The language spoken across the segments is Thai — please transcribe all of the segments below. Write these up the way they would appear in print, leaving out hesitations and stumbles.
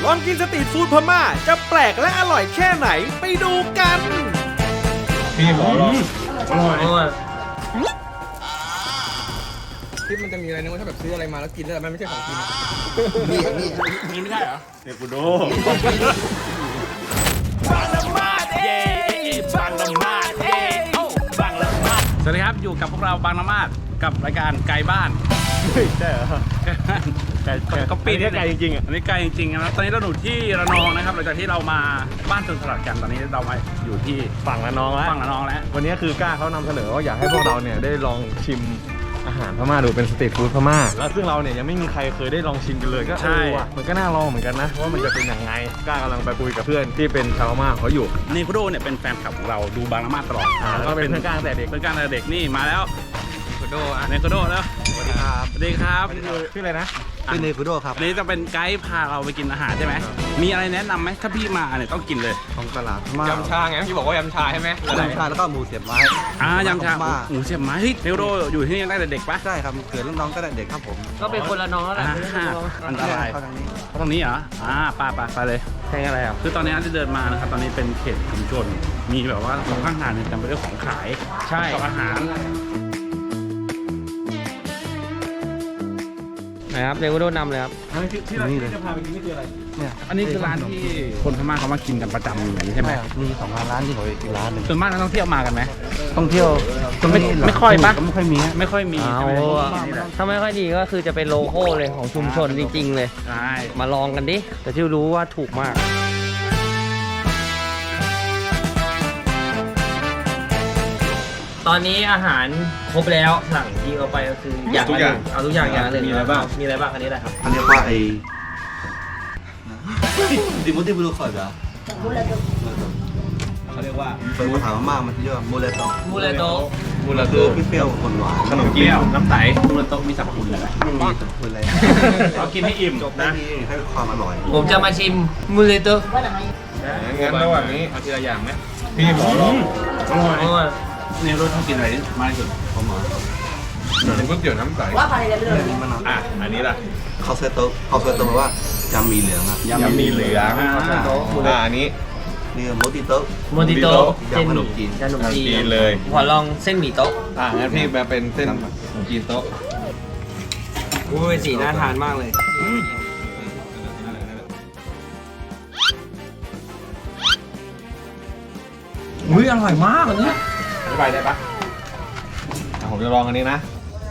ลองกินสตรีทฟู้ดพม่าจะแปลกและอร่อยแค่ไหนไปดูกันพี่หมอลองอร่อยที่มันจะมีอะไรนึกว่าถ้าแบบซื้ออะไรมาแล้วกินแล้วมันไม่ใช่ของกินนี่ไม่ใช่เหรอเทปูโดสวัสดีครับอยู่กับพวกเราบางละมาดกับรายการไกลบ้านใช่เหรอก็ปีนี้ไกลจริงๆอ่ะอันนี้ไกลจริงๆนะตอนนี้เราอยู่ที่ระนองนะครับหลังจากที่เรามาบ้านสวนสลัดกันตอนนี้เรามาอยู่ที่ฝั่งระนองแล้ววันนี้คือกล้าเขานำเสนอว่าอยากให้พวกเราเนี่ยได้ลองชิมอาหารพม่าดูเป็นสตรีทฟู้ดพม่าแล้วซึ่งเราเนี่ยยังไม่มีใครเคยได้ลองชิมกันเลยก็มันก็น่าลองเหมือนกันนะว่ามันจะเป็นยังไงกล้ากำลังไปคุยกับเพื่อนที่เป็นชาวพม่าเขาอยู่นี่คุโดเนี่ยเป็นแฟนคลับของเราดูบางละมาดตลอดแล้วก็เป็นเพื่อนกล้าแต่เด็กนี่มาแล้วคุโดเนคุโดแล้วสวัสดีครับชื่ออะไรนะเป็นเนคุโดครับนี่จะเป็นไกด์พาเราไปกินอาหารใช่ไหมมีอะไรแนะนำไหมถ้าพี่มาเนี่ยต้องกินเลยของตลาดยำชาไงพี่บอกว่ายำชาใช่ไหมยำชาแล้วก็หมูเสียบไม้ยำชาหมูเสียบไม้เฮ้ยเนคุโดอยู่ที่นี่ตั้งแต่เด็กปะใช่ครับเกิดรุ่นน้องก็ได้เด็กครับผมก็เป็นคนละน้องแล้วแหละอันตรายเขาตรงนี้เหรอไปเลยแข่งอะไรอ่ะคือตอนนี้ที่เดินมานะครับตอนนี้เป็นเขตชุมชนมีแบบว่าตรงข้างทางเนี่ยเต็มไปด้วยของขายใช่กับอาหารนะครับเนกุโดนำเลยครับที่เราจะพาไปกินนี่คืออะไรเนี่ยอันนี้คือร้านที่คนพม่าเขามากินกันประจำอย่างนี้ใช่ไหมมี2 ร้านที่ผมไปกินร้านนึงส่วนมากนักท่องเที่ยวมากันไหมท่องเที่ยวไม่ค่อยปะไม่ค่อยมีถ้าไม่ค่อยดีก็คือจะเป็นโลโก้เลยของชุมชนจริงๆเลยใช่มาลองกันดิแต่ที่รู้ว่าถูกมากตอนนี้อาหารครบแล้วสั่งที่เขาไปก็คืออยากเอาทุกอย่างอย่างละหนึ่งมีอะไรบ้างอันนี้อะไรครับเขาเรียกว่าไอ้ดิมุติบุรุษก่อนเหรอเขาเรียกว่าเป็นภาษาพม่ามันเรียกว่ามูเลโตคือเปรี้ยวคนหวานขนมเกี๊ยวน้ำใสมูเลโตมีสรรพคุณอะไรไม่มีสรรพคุณอะไรเรากินให้อิ่มจบนะให้ความอร่อยผมจะมาชิมมูเลโตงั้นระหว่างนี้เอาทีละอย่างไหมพี่หมอลองอร่อยเนี่ยรสชอบกินอะไรมากที่สุดผมเหรอเป็นก๋วยเตี๋ยวน้ำใสอันนี้ล่ะข้าวเซโตแปลว่ายำมีเหลืองครับยำมีเหลืองอันนี้นี่โมติโตเส้นขนมจีนเลยขอลองเส้นหมี่โต๊ะงั้นพี่มาเป็นเส้นขนมจีนโต๊ะสีน่าทานมากเลยอร่อยมากเลยอธิบายได้ปะผมจะลองอันนี้นะ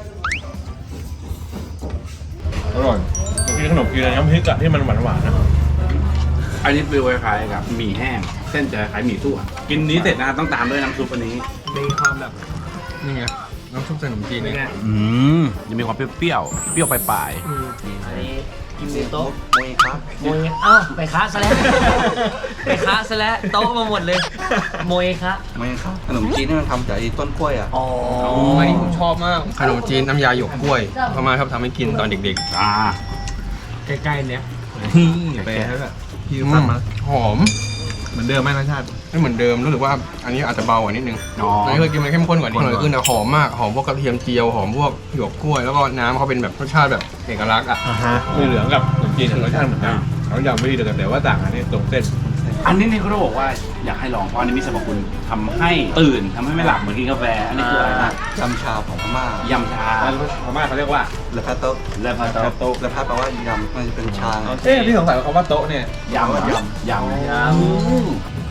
อร่อยมีขนมจีนน้ำพริกอะที่มันหวานๆนะอันนี้เป็นคล้ายๆกับหมี่แห้งเส้นจะคล้ายหมี่ซั่วกินนี้เสร็จนะต้องตามด้วยน้ำซุปอันนี้มีความแบบนี่ไงน้ำซุปขนมจีนนี่จะมีความเปรี้ยวปลายอันนี้กินโต๊ะโมยครับไปค้าซะแล้วโต๊ะมาหมดเลยโมยคะขนมจีนนี่มันทำจากต้นกล้วยอ่ะอันนี้ผมชอบมากขนมจีนน้ำยาหยวกกล้วยพม่าชอบทำให้กินตอนเด็กๆใกล้ๆเนี้ยไปแล้วแบบพี่ทำมาหอมเหมือนเดิมไหมรสชาติไม่เหมือนเดิมรู้สึกว่าอันนี้อาจจะเบากว่านิดนึงอันนี้เคยกินมันเข้มข้นกว่านี้เลยคือหอมมากหอมพวกกระเทียมเจียวหอมพวกหยวกกล้วยแล้วก็น้ำเขาเป็นแบบรสชาติแบบเอกลักษณ์อ่ะมีเหลืองกับขนมจีนรสชาติเหมือนกันเขาอย่างไม่ดีแต่ว่าต่างอันนี้ตรงเส้นอันนี้นี่เขาบอกว่าอยากให้ลองเพราะอันนี้มีสรรพคุณทำให้ตื่นทำให้ไม่หลับเหมือนกินกาแฟอันนี้คืออะไรนะยำชาของพม่ายำชาพม่าเขาเรียกว่าเลพาโต๊ะแปลว่ายำมันเป็นชาพี่สงสัยว่าคำว่าโต๊ะเนี่ยยำ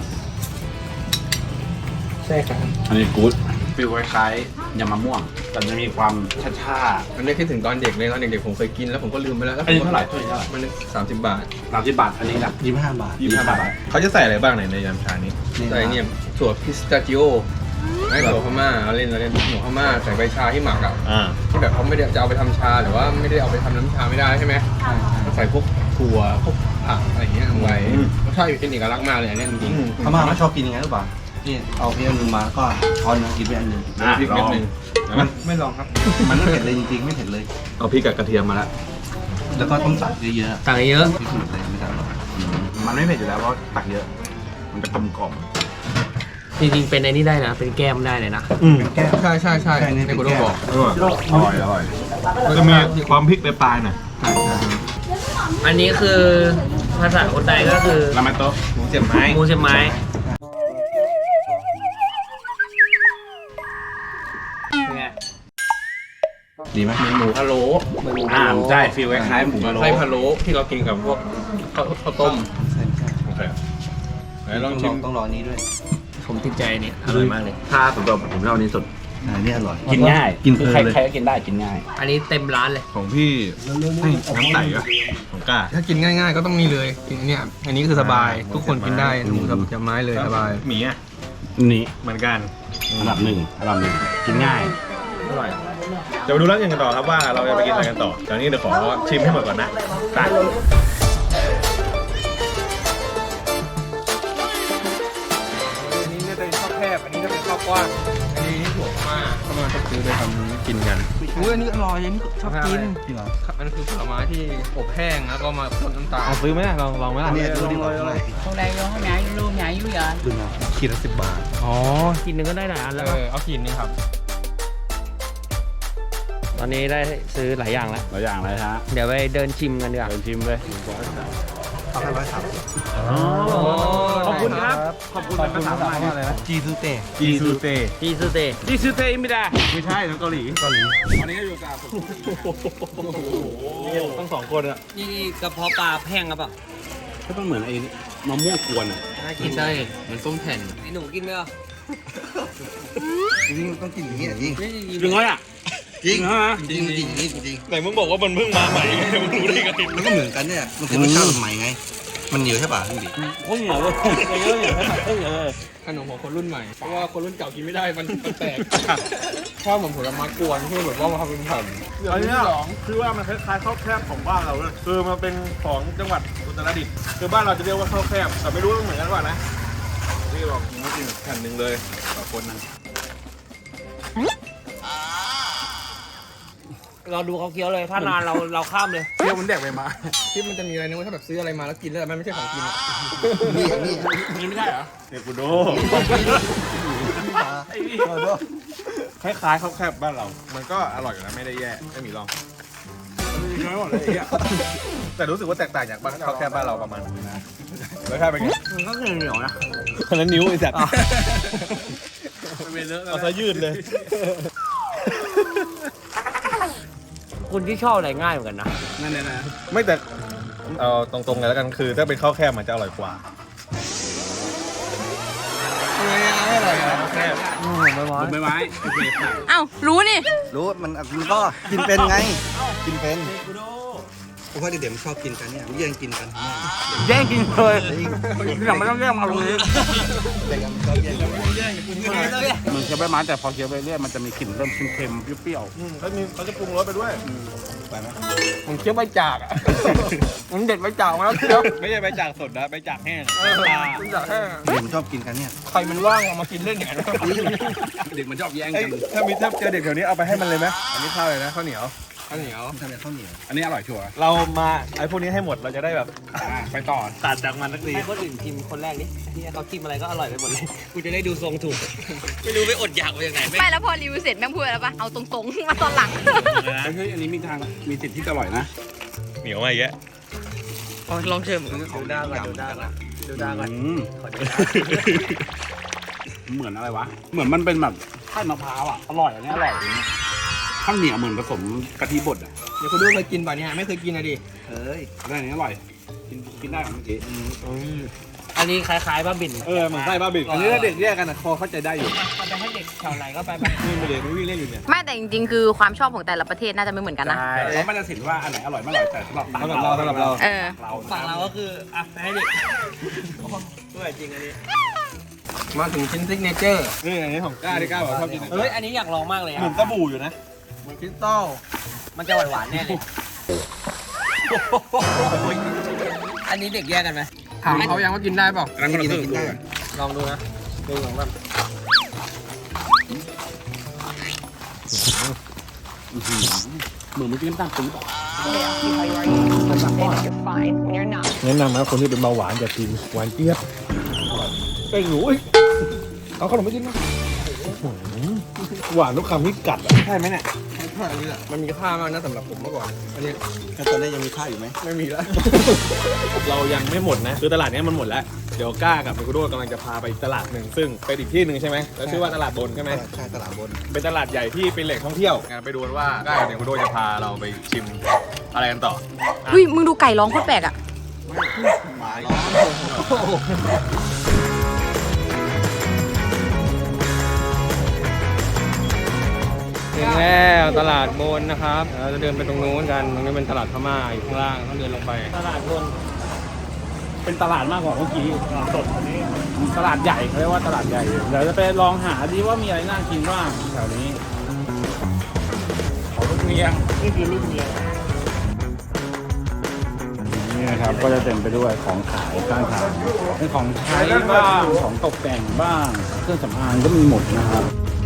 ใช่ครับอันนี้กู๊ดฟีลคล้ายๆยำมะม่วงแต่จะมีความชามันได้คิดถึงตอนเด็กเลยตอนเด็กๆผมเคยกินแล้วผมก็ลืมไปแล้วอันนี้เท่าไหร่มัน30 บาทอันนี้นะ 25 บาทเขาจะใส่อะไรบ้างในยำชานี้ใส่เนี่ยถั่วพิสตาชิโอไม่ถั่วพม่าเอาเล่นถั่วพม่าใส่ใบชาที่หมักอ่ะที่แบบเขาไม่ได้จะเอาไปทำชาหรือว่าไม่ได้เอาไปทำน้ำชาไม่ได้ใช่ไหมใส่พวกถั่วพวกผักอะไรอย่างเงี้ยลงไปรสชาติเป็นเอกลักษณ์มากเลยอันนี้จริงๆพม่าไม่ชอบกินยังไงหรือเปล่านี่เอาเพียงนึงมาก็ช้อนนึงกินไปอันนึงพริกนิดนึงมันไม่ลองครับมันไม่เผ็ดเลยจริงๆไม่เผ็ดเลยเอาพริกกับกระเทียมมาแล้วก็ต้องตักเยอะๆไม่ตักหรอกมันไม่เผ็ดอยู่แล้วเพราะตักเยอะมันจะกลมกล่อมจริงๆเป็นในนี้ได้นะเป็นแก้มได้เลยนะแก้มใช่ในกูต้องบอกอร่อยจะมีความพริกปลายหน่อยอันนี้คือภาษาคนใดก็คือรามาโตะหมูเสียบไม้หมูเสียบไม้ เป็นไงดีไหมหมูพะโล้ใช่ฟีลคล้ายๆหมูพะโล้ไส้พะโล้ที่เรากินกับพวกข้าวต้มใช่ใช่โอเคไหนลต้ออง งชิมต้องรอนี้ด้วยผมติดใจนี่อร่อยมากเลยถ้าสำหรับผมชอบอันนี้สุดอันนี้อร่อยกินง่ายกินเพลินใครเลยใครก็กินได้กินง่ายอันนี้เต็มร้านเลยของพี่ให้น้ำใสอ่ะของกล้าถ้ากินง่ายๆก็ต้องนี่เลยกินเนี่ยอันนี้คือสบายทุกคนกินได้หมูเสียบไม้เลยสบายหมี่อ่ะนี่เหมือนกันอันดับหนึ่งกินง่ายอร่อยเดี๋ยวมาดูร้านอื่นกันต่อครับว่าเราจะไปกินอะไรกันต่อตอนนี้เดี๋ยวขอชิมให้หมดก่อนนะไปอันนี้จะเป็นข้าวแคบอันนี้จะเป็นข้าวกว้างอันนี้ถั่วมาเข้ามาจะซื้อไปทำกินกันอุ้ยอันนี้อร่อยอันนี้ชอบกินจริงเหรอมันคือผลไม้ที่อบแห้งแล้วก็มาพ่นน้ำตาลซื้อไหมลองไหมล่ะเนี่ยดูดีกว่าอะไร Hôm nay có nhảy luôn nhảy dữ vậy? ดูนะขีดละ10 บาทอ๋อ กินหนึ่งก็ได้หลายอันแล้วเอากินนี่ครับตอนนี้ได้ซื้อหลายอย่างแล้วหลายอย่างเลยฮะเดี๋ยวไปเดินชิมกันดีกว่าเดินชิมเลยเขาให้130 ขอบคุณครับ ขอบคุณเป็นภาษาไทยอะไรนะจีซูเต้จีซูเตจีซูเตะดิซูเตอิมิดาไม่ใช่ทั้งเกาหลีวันนี้ก็อยู่กับทั้งสองคนอะนี่กระเพาะปลาแห้งครับอ่ะก็ต้องเหมือนไอ้มะม่วงกวนอ่ะน่ากินใช่เหมือนส้มแผ่นไอ้หนูกินไหมอ่ะจริงๆต้องกินอย่างนี้จริงจริงไหมอ่ะจริงฮะจริงจริงจริงจริงไหนมึงบอกว่ามันเพิ่งมาใหม่มึงรู้ได้ไงมันก็เหมือนกันเนี่ยมันคือรสชาติใหม่ไง มันเหนียวใช่ป่ะพี่บิ๊กโอ้ยเหนียวเลยเหนียวเลยเหนียวเลยขนมของคนรุ่นใหม่ เพราะว่าคนรุ่นเก่ากินไม่ได้ มันแปลกชอบเหมือนผลไม้กวนที่แบบว่ามาทำเป็นแผ่นอันนี้คือว่ามันคล้ายๆข้าวแคบของบ้านเราเลยคือมันเป็นของจังหวัดอุตรดิตถ์คือบ้านเราจะเรียกว่าข้าวแคบแต่ไม่รู้ว่าเหมือนกันป่ะนะที่บอกมากินแผ่นหนึ่งเลยต่อคนนะเราดูเขาเคี้ยวเลย ถ้านานเราข้ามเลยเที่ยวมันแดกไปมาที่มันจะมีอะไรนะว่าถ้าแบบซื้ออะไรมาแล้วกินแล้วมันไม่ใช่ของกินอะนี่นี่นี่ไม่ได้เหรอเด็กกูโดคล้ายๆข้าวแคบบ้านเรา มันก็อร่อยอยู่นะไม่ได้แย่ไม่มีรองน้อยหมดเลยไอ้เหี้ยแต่รู้สึกว่าแตกต่างจากบ้านข้าวแคบบ้านเราประมาณนึงนะแล้วถ้าเป็นไงมันก็เหนียวนะคนละนิ้วไอ้สัตว์เอาซะยืดเลยคุณที่ชอบอะไรง่ายเหมือนกันนะนั่นเลยนะไม่แต่เอาตรงๆเลยแล้วกันคือถ้าเป็นข้าวแคบมันจะอร่อยกว่าใบไม้โอเคค่ะเอ้ารู้นี่รู้มันก็กินเป็นไง กินเป็นเพราะว่าเด็กๆมันชอบกินกันเนี่ยมันแย่งกินกันแย่งกินเลยที่หลังไม่ต้องแย่งมาตรงนี้เด็กมันชอบแย่งกันมันเคี้ยวใบไม้แต่พอเคี้ยวไปเรื่อยมันจะมีกลิ่นเริ่มเค็มๆเปรี้ยวเขาจะปรุงรสไปด้วยไปไหมผมเคี้ยวใบจากอะผมเด็ดใบจากมาแล้วเคี้ยวไม่ใช่ใบจากสดนะใบจากแห้งใบจากแห้งเด็กมันชอบกินกันเนี่ยใครมันว่างเอามากินเล่นอย่างนั้นๆเด็กมันชอบแย่งเอ้ยกันถ้าเจอเด็กแถวนี้เอาไปให้มันเลยไหมอันนี้ข้าวเลยนะข้าวเหนียวข้าวเหนียวทำเป็นข้าวเหนียวอันนี้อร่อยชัวร์เรามาไอ้พวกนี้ให้หมดเราจะได้แบบไปต่อตัดจากมันสักทีให้คนอื่นชิมคนแรกนี่ที่เขาชิมอะไรก็อร่อยไปหมดเลย กูจะได้ดูทรงถูก ไม่รู้ไปอดอยากมาจากไหนไม่แล้วพอรีวิวเสร็จแม่งพูดอะไรปะเอาตรงๆ มาตอนหลังเฮ้ยอันนี้มีสิทธิ์ที่จะอร่อยนะเหนียวมาอีกแยะลองเชิมดูด้าก่อนดูด้าก่อนดูด้าก่อน ขอดูด้าเหมือนอะไรวะ เหมือนมันเป็นแบบไข่มะพร้าวอ่ะ อร่อยอันนี้อร่อยข้าวเหนียวเหมือนผสมกะทิบดอ่ะเดี๋ยวคุณดูเคยกินป่ะเนี่ยไม่เคยกินอะดิเฮ้ยอันนี้อร่อย กินได้เมื่อกี้อันนี้คล้ายๆบ้าบินเหมือนไส้บ้าบิกอันนี้ถ้าเด็กแยกกันนะคอเข้าใจได้อยู่มันจะให้เด็กแถวไหนก็ไปไปนี่ไม่เด็กไม่วิ่งเล่นอยู่เนี่ยไม่แต่จริงๆ คือความชอบของแต่ละประเทศน่าจะไม่เหมือนกันนะแล้วมันจะสินว่าอันไหนอร่อยไม่อร่อยแต่สำหรับสำหรับเราเออเราฝั่งเราก็คืออ่ะไปให้เด็กด้วยจริงอันนี้มาถึงชิ้นซิกเนเจอร์นี่อันนี้ของก้าที่ก้าบอกชอบกินเฮ้ย อันนี้อยากลองมากเลยเหมือ่ะอนสบู่อยู่นะเหมือนคริสตัลมันจะหวานๆแน่เลย อันนี้เด็กแยกกันไหมถามเขายังว่ากินได้เปล่าร้านคนละครึ่งกินได้ลองดูนะดูของมันเหมือนเมื่อกี้น้ำตาลปี๊บอ่ะแนะนำนะคนที่เป็นเบาหวานอย่ากินหวานเจี๊ยบไอ้หนูเอาขนมไม่กินนะหวานทุกคำที่กัดใช่ไหมเนี่ยอันนี้แหละมันมีค่ามากนะสำหรับผมเมื่อก่อนอันนี้แล้วตอนนี้ยังมีค่าอยู่ไหมไม่มีแล้วเรายังไม่หมดนะคือตลาดนี้มันหมดแล้วเดี๋ยวก้ากับมิคุโดกำลังจะพาไปอีกตลาดหนึ่งซึ่งเป็นอีกที่หนึ่งใช่ไหมแล้วชื่อว่าตลาดบนใช่ไหมใช่ตลาดบนเป็นตลาดใหญ่ที่เป็นแหล่งท่องเที่ยวงั้นไปดูกันว่าก้ากับมิคุโดจะพาเราไปชิมอะไรกันต่ออุ้ยมึงดูไก่ร้องโคตรแปลกอ่ะหมาล้อถึงแล้วตลาดบนนะครับเราจะเดินไปตรงนู้นกันตรงนี้เป็นตลาดพม่าอยู่ข้างล่างต้องเดินลงไปตลาดบนเป็นตลาดมากกว่าเมื่อกี้ตลาดสดอันนี้ตลาดใหญ่เขาเรียกว่าตลาดใหญ่เดี๋ยวจะไปลองหาดีว่ามีอะไรน่ากินบ้างแถวนี้ขอลูกเนียงนี่คือลูกเนียงนี่นะครับก็จะเต็มไปด้วยของขายข้างทางเป็นของใช้บ้างของตกแต่งบ้างเครื่องสำอางก็มีหมดนะครับ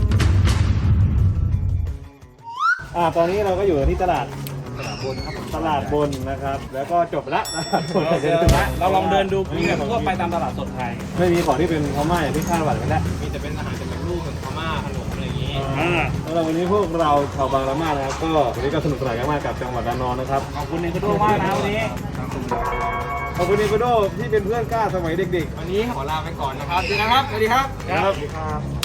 ตอนนี้เราก็อยู่ที่ตลาดบนครับตลาดบนนะครับแล้วก็จบละเราลองเดินดูคุยกับทั่วไปตามตลาดสดไทยไม่มีของที่เป็นพม่าอย่างที่คาดหวังกันแล้วมีแต่เป็นอาหารจากรูปของพม่าขนมอะไรอย่างนี้สำหรับวันนี้พวกเราชาวบางละมาดนะครับก็วันนี้ก็สนุกสนานกันมากกับจังหวัดระนองนะครับขอบคุณเนคุโดมากนะวันนี้ขอบคุณนิโคโดที่เป็นเพื่อนก้าสมัยเด็กวันนี้ขอลาไปก่อนนะครับดีนะครับสวัสดีครับๆครับ